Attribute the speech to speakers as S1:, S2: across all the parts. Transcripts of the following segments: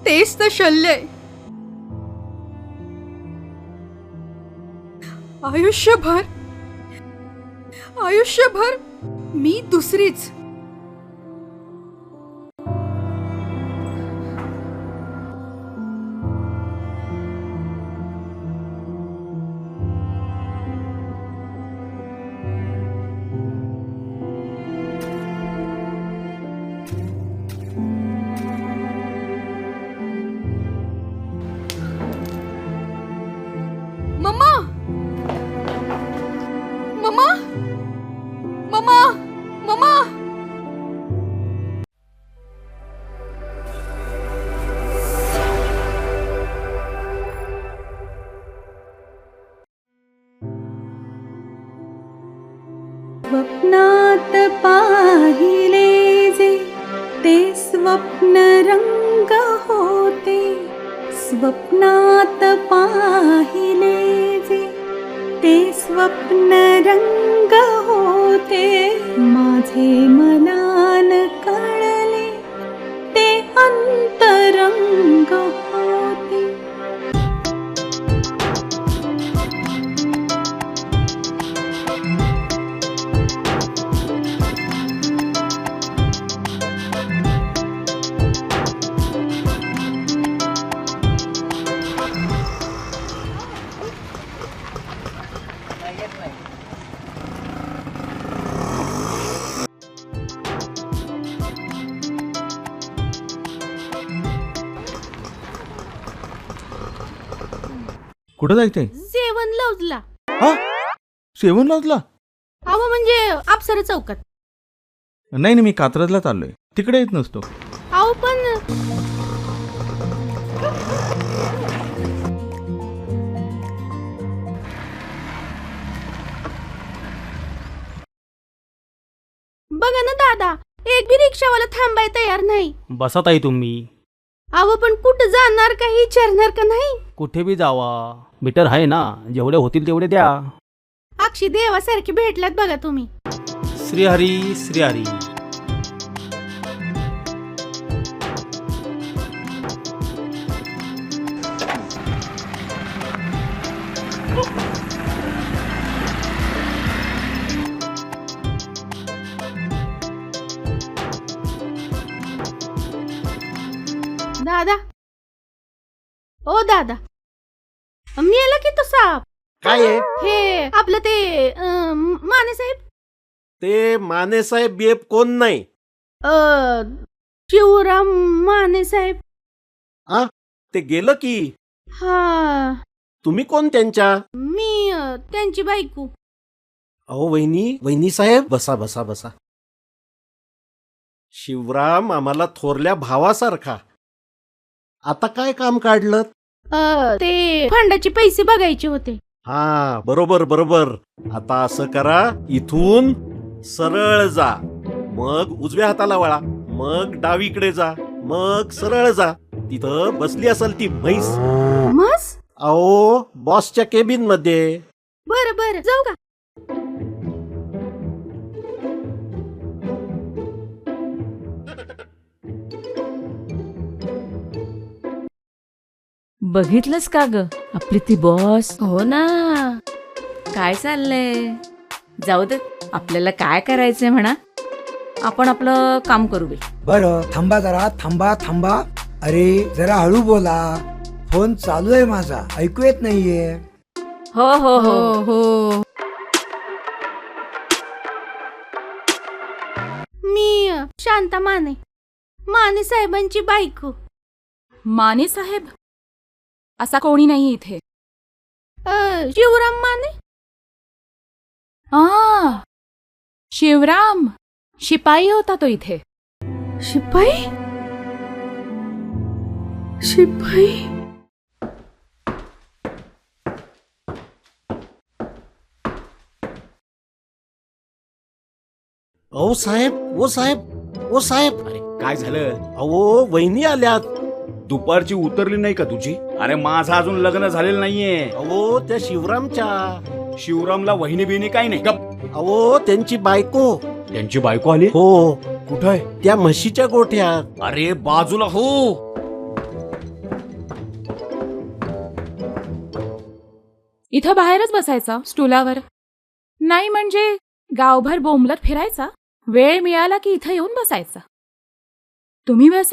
S1: तेच तर शल्य आहे. आयुष्यभर आयुष्यभर मी दुसरीच. Mama mama mama mama.
S2: स्वप्नात पाहिले जे ते स्वप्न रंग होते. स्वप्नात पाहिले जे ते स्वप्न रंग होते. माझे मनान कळले ते अंतरंग होते.
S3: कुठं जायचंय?
S1: जेवण लवजला.
S3: हा, सेवन लॉजला?
S1: अहो म्हणजे अप्सरा चौकात.
S3: नाही नाही, मी कात्रजला चाललोय, तिकडे येत नसतो.
S1: अहो पण बघा ना दादा, एक बी रिक्षावाला थांबाय तयार नाही.
S4: बसा ताई तुम्ही.
S1: अहो पण कुठं जाणार का विचारणार का नाही?
S4: कुठे बी जावा, मीटर आहे ना, जेवढे होतील तेवढे द्या.
S1: अक्षी देवासारखी भेटलात बघा तुम्ही.
S4: श्रीहरी श्रीहरी.
S1: दादा, ओ दादा, मेला की तो साप?
S5: काय आहे?
S1: हे आपलं ते माने साहेब.
S5: ते माने साहेब बीएफ कोण नाही?
S1: शिवराम माने साहेब.
S5: आ ते गेलं की.
S1: हा,
S5: तुम्ही कोण त्यांच्या?
S1: मी त्यांची बायको.
S5: अहो वहिनी साहेब, बसा बसा बसा. शिवराम आम्हाला थोरल्या भावासारखा. आता काय काम काढलं?
S1: ते फंडाचे पैसे बघायचे होते.
S5: हा, बरोबर बरोबर. आता असं करा, इथून सरळ जा, मग उजव्या हाताला वळा, मग डावीकडे जा, मग सरळ जा. तिथं बसली असेल ती म्हैस.
S1: मस?
S5: अहो बॉसच्या केबिन मध्ये.
S1: बरं बरं, जाऊ का?
S6: बघितलंस का ग आपली ती बॉस?
S1: हो ना.
S6: काय चाललंय? जाऊ दे, आपल्याला काय करायचंय म्हणा, आपण आपलं काम करू बे.
S7: बरं थांबा जरा, थांबा. अरे जरा हळू बोला, फोन चालू आहे माझा, ऐकू येत नाहीये.
S6: हो हो हो
S1: हो. मी शांता माने, माने साहेबांची बायको.
S8: माने साहेब? असा कोणी नाही इथे.
S1: शिवराम माने.
S8: शिवराम शिपाई होता तो इथे.
S1: शिपाई? शिपाई?
S5: अहो साहेब, ओ साहेब.
S9: अरे काय झालं?
S5: अहो वहिनी आल्यात.
S9: दुपारची उतरली नाही का तुझी? अरे माझं अजून लग्न झालेलं नाहीये.
S5: अहो त्या शिवरामच्या.
S9: शिवरामला वहिनी बिहिणी काही नाही. गप.
S5: अहो त्यांची बायको.
S9: त्यांची बायको आली?
S5: हो.
S9: कुठं आहे?
S5: त्या म्हशीच्या गोठ्यात.
S9: अरे बाजूला हो.
S8: इथं बाहेरच बसायचा स्टुलावर. नाही म्हणजे गावभर बोंबलत फिरायचा. वेळ मिळाला की इथं येऊन बसायचा. तुम्ही बसा,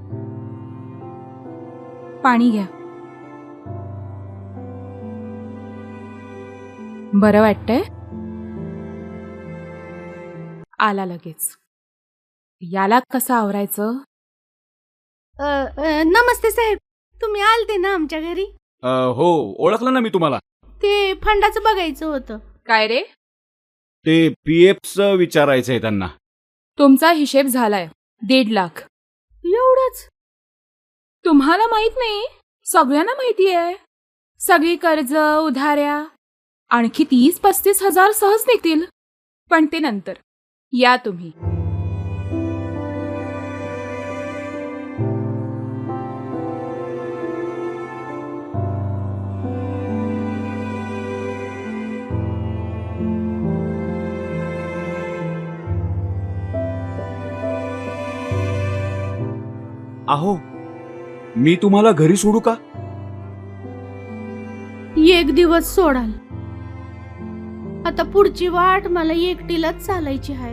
S8: पाणी घ्या. बरं वाटतंय? आला लगेच. याला कसं आवरायचं?
S1: नमस्ते साहेब, तुम्ही आलते ना आमच्या घरी?
S9: हो, ओळखलं ना मी तुम्हाला.
S1: ते फंडाचं बघायचं होतं.
S8: काय रे?
S9: ते पीएफचं विचारायचंय त्यांना.
S8: तुमचा हिशेब झालाय 1.5 लाख.
S1: एवढंच?
S8: तुम्हाला माहित नाही? सगळ्यांना माहिती आहे. सगळी कर्ज उधाऱ्या आणखी 30-35 हजार सहज निघतील. पण ते नंतर. या तुम्ही.
S9: अहो, मी तुम्हाला घरी सोडू का?
S1: एक दिवस सोडाल. आता पुढची वाट मला एकटीलाच चालायची आहे.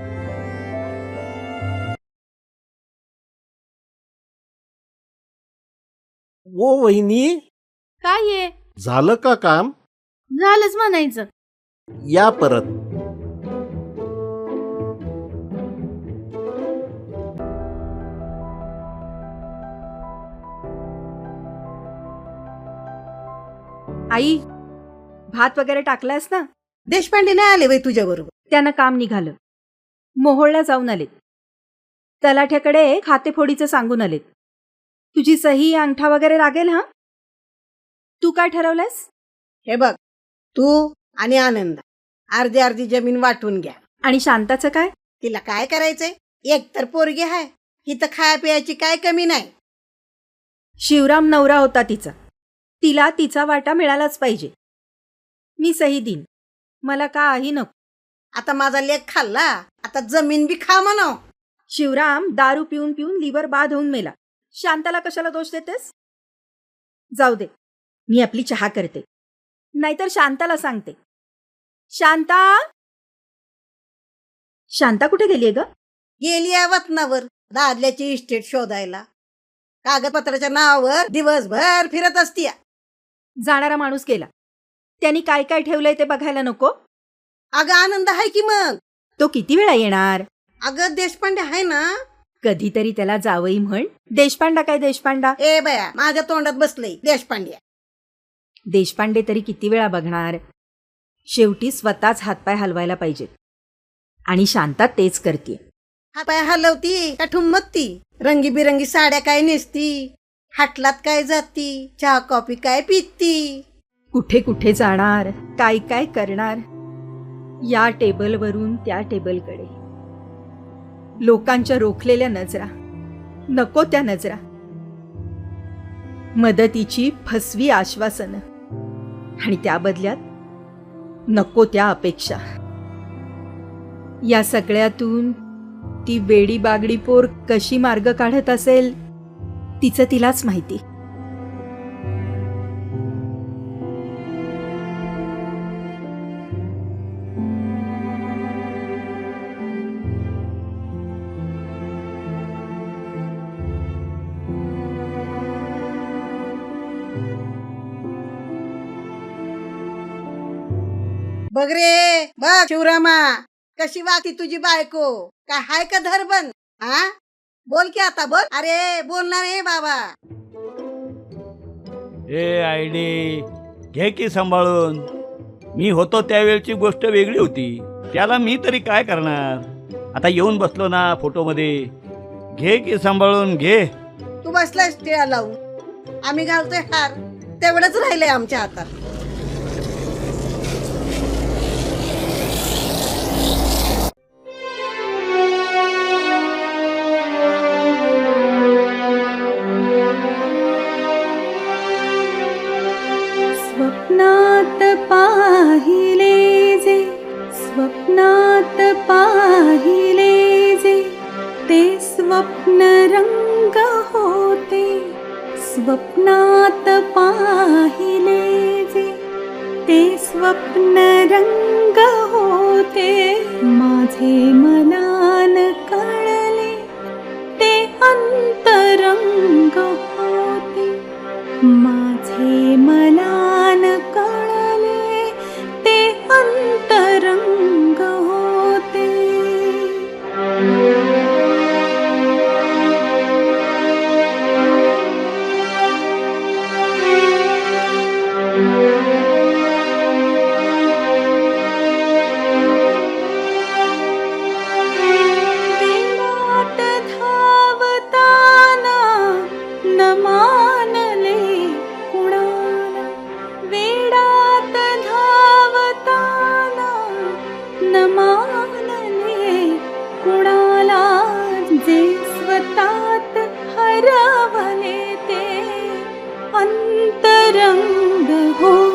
S5: ओ वहिनी,
S1: काय आहे?
S5: झालं का काम?
S1: झालंच म्हणायचं.
S5: या परत.
S2: आई, भात वगैरे टाकलास ना? देशपांडे नाही आले वय तुझ्या बरोबर? त्यानं काम निघालं. मोहोळला जाऊन आलेत. तलाठ्याकडे खातेफोडीचं सांगून आलेत. तुझी सही अंगठा वगैरे लागेल. हा, तू काय ठरवलंस?
S10: हे बघ, तू आणि आनंद अर्धी अर्धी जमीन वाटून घ्या.
S2: आणि शांताचं काय?
S10: तिला काय करायचंय? एक तर पोरगी आहे, इथं खाया पियाची काय कमी नाही.
S2: शिवराम नवरा होता तिचा. तिला तिचा वाटा मिळालाच पाहिजे. मी सही देईन, मला काही नको.
S10: आता माझा लेक खाल्ला, आता जमीन बी खा म्हणाव.
S2: शिवराम दारू पिऊन पिऊन लिव्हर बाद होऊन मेला. शांताला कशाला दोष देतेस? जाऊ दे, मी आपली चहा करते. नाहीतर शांताला सांगते. शांता, शांता कुठे गेलीये ग?
S10: गेली आहे वतनावर दादल्याची इस्टेट शोधायला. कागदपत्राच्या नावावर दिवसभर फिरत असती.
S2: जाणारा माणूस गेला, त्यांनी काय काय ठेवलंय ते बघायला नको?
S10: अगं आनंद आहे की मग.
S2: तो किती वेळा येणार?
S10: अगं देशपांडे आहे ना.
S2: कधीतरी त्याला जावई म्हण. देशपांडा काय देशपांडा?
S10: ए बया, माझ्या तोंडात बसलंय देशपांडे.
S2: देशपांडे तरी किती वेळा बघणार? शेवटी स्वतःच हातपाय हलवायला पाहिजेत. आणि शांता तेच करते.
S10: हातपाय हलवती का ठुमकती? रंगीबिरंगी साड्या काय नेसती, हाटलात काय जाती, चहा कॉफी काय पिती.
S2: कुठे कुठे जाणार, काय काय करणार. या टेबलवरून त्या टेबलकडे. लोकांच्या रोखलेल्या नजरा, नको त्या नजरा. मदतीची फसवी आश्वासनं आणि त्या बदल्यात नको त्या अपेक्षा. या सगळ्यातून ती वेडी बागडी पोर कशी मार्ग काढत असेल तिचं तिलाच माहिती.
S10: बघ रे बघ शिवरामा, कशी वागती तुझी बायको. काय हाय का धरबन? हा, बोल की आता बोल. अरे बोलणार आहे बाबा.
S4: ए आयडी घे की सांभाळून. मी होतो त्यावेळची गोष्ट वेगळी होती. त्याला मी तरी काय करणार. आता येऊन बसलो ना फोटोमध्ये. घे की सांभाळून घे.
S10: तू बसलायस टिळा लावून, आम्ही घालतोय हार. तेवढंच राहिलंय आमच्या हातात.
S2: स्वप्नात पाहिले जे, स्वप्नात पाहिले जे, ते स्वप्न रंग होते. स्वप्नात पाहिले जे,
S1: ते स्वप्न रंग होते माझे मनान कळले ते अंतरंग होते माझे मनान कळले ते अंतरंग होते. वेळात धावताना न मानले कुणाला वेळात धावताना न मानले कुणाला जे स्वतात हरवले ते अंतरंग हो